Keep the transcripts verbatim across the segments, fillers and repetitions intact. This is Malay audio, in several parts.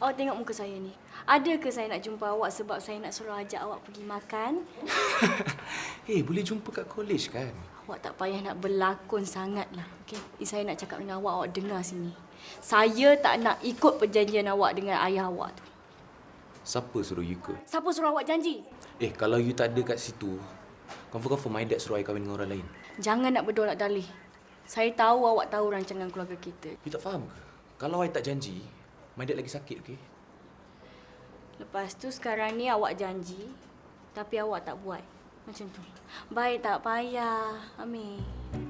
Awak tengok muka saya ni. Ada ke saya nak jumpa awak sebab saya nak suruh ajak awak pergi makan? Eh, hey, boleh jumpa kat college kan? Awak tak payah nak berlakon sangatlah. Okey, saya nak cakap dengan awak, awak dengar sini. Saya tak nak ikut perjanjian awak dengan ayah awak tu. Siapa suruh you ikut? Siapa suruh awak janji? Eh, kalau you tak ada kat situ, confirm-confirm my dad suruh I kahwin dengan orang lain. Jangan nak berdolak dalih. Saya tahu awak tahu rancangan keluarga kita. You tak faham ke? Kalau I tak janji, my dad lagi sakit, okey? Lepas tu sekarang ni awak janji, tapi awak tak buat. Macam tu. Baik, tak payah, Amir.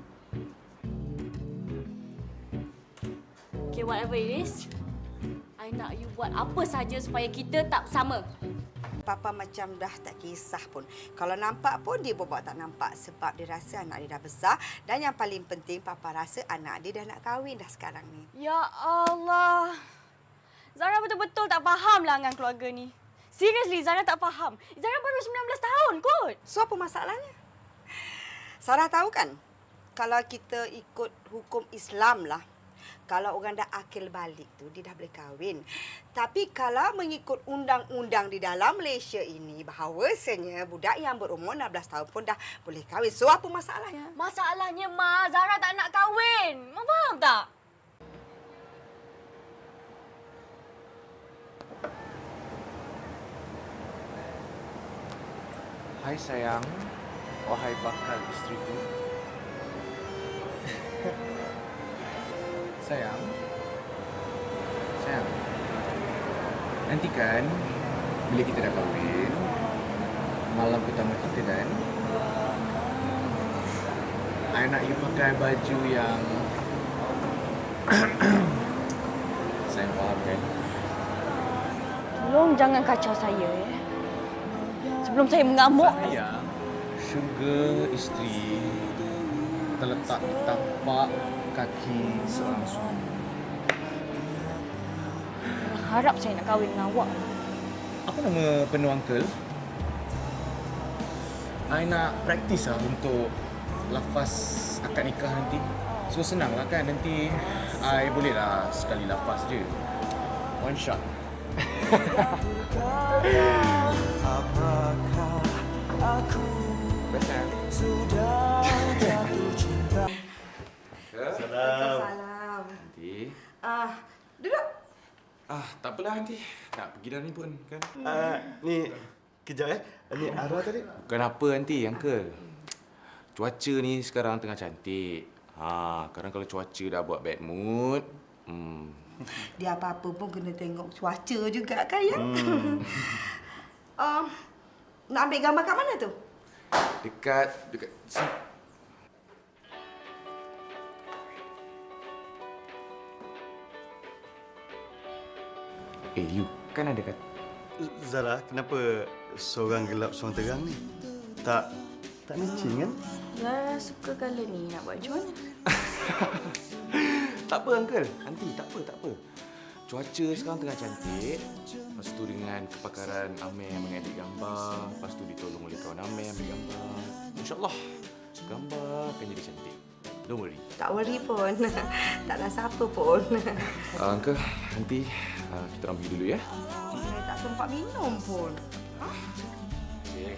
Okay, whatever it is, I nak you buat apa saja supaya kita tak sama. Papa macam dah tak kisah pun. Kalau nampak pun dia buat tak nampak sebab dia rasa anak dia dah besar. Dan yang paling penting, Papa rasa anak dia dah nak kahwin dah sekarang ni. Ya Allah. Zara betul-betul tak faham lah dengan keluarga ni. Seriously, Zara tak faham. Zara baru sembilan belas tahun kot. So, apa masalahnya? Sarah tahu kan, kalau kita ikut hukum Islam lah, kalau orang dah akil balik tu, dia dah boleh kahwin. Tapi kalau mengikut undang-undang di dalam Malaysia ini, bahawasanya budak yang berumur enam belas tahun pun dah boleh kahwin. So, apa masalahnya? Masalahnya, Ma, Zara tak nak kahwin. Ma faham tak? Hai sayang, wahai bakal isteriku. Sayang, sayang. Nanti kan, bila kita dah kahwin, malam pertama kita kan, I nak you pakai baju yang sayang faham kan? Tolong jangan kacau saya, ya. Sebelum saya mengamuk. Sayang, syurga isteri terletak di tapak kaki seorang suami. Harap saya nak kahwin dengan awak. Apa nama penuh uncle? I nak praktis lah untuk lafaz akad nikah nanti. So senang lah kan, nanti I boleh lah sekali lafaz je. One shot. Apakah aku sudah jatuh cinta? Salam. Nanti. Ah, duduk. Ah, tak apalah nanti. Nak pergi dah ni pun, kan? Uh, ni, kejap eh. Ni arwah tadi. Bukan apa nanti, Uncle. Cuaca ni sekarang tengah cantik. Ha, kadang kalau cuaca dah buat bad mood, hmm. Dia apa-apa pun kena tengok cuaca juga kan, ya? Hmm. um, nak ambil gambar kat mana tu? Dekat, dekat sini. Eh, you kan ada kat... Zara, kenapa seorang gelap, seorang terang ni? Tak, tak matching kan? Zara suka colour ni. Nak buat macam mana? Tak apa, Uncle. Nanti, tak apa, tak apa. Cuaca sekarang tengah cantik. Lepas tu dengan kepakaran Amir mengedit gambar. Lepas tu ditolong oleh kawan Amir ambil gambar. InsyaAllah, gambar akan jadi cantik. Don't worry. Tak worry pun. Tak rasa apa pun. Uh, Uncle, nanti uh, kita orang pergi dulu ya. Eh, tak sempat minum pun. Okay.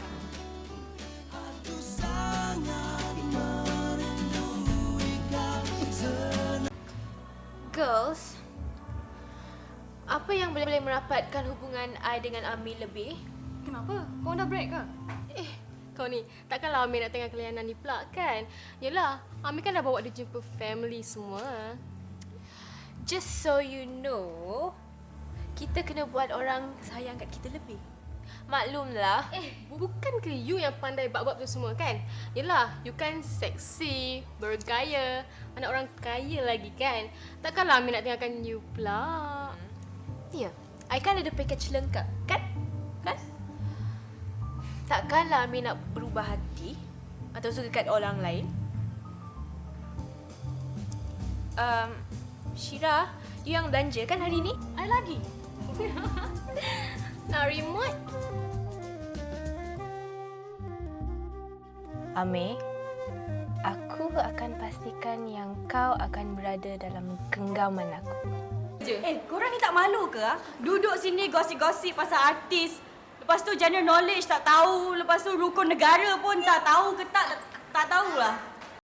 Girls, apa yang boleh merapatkan hubungan I dengan Amir lebih? Kenapa? Kau dah break ke? Eh, kau ni, takkanlah Amir nak tengah kelayanan ni pula kan? Yelah, Amir kan dah bawa dia jumpa family semua. Just so you know, kita kena buat orang sayang kat kita lebih. Maklumlah, eh, bukan ke you yang pandai bab-bab tu semua kan? Yelah, you kan seksi, bergaya, anak orang kaya lagi kan? Takkanlah Amir nak tinggalkan you pula. Ya, I kan ada package lengkap, kan? Kan? Takkanlah Amir nak berubah hati atau suka kat orang lain. Um, Syira, you yang belanja kan hari ni? I lagi. Nak remote? Amir, aku akan pastikan yang kau akan berada dalam genggaman aku. je. Eh, korang ni tak malu ke? Ah? Duduk sini gosip-gosip pasal artis. Lepas tu general knowledge tak tahu. Lepas tu rukun negara pun tak tahu ke tak, tak, tak tahulah.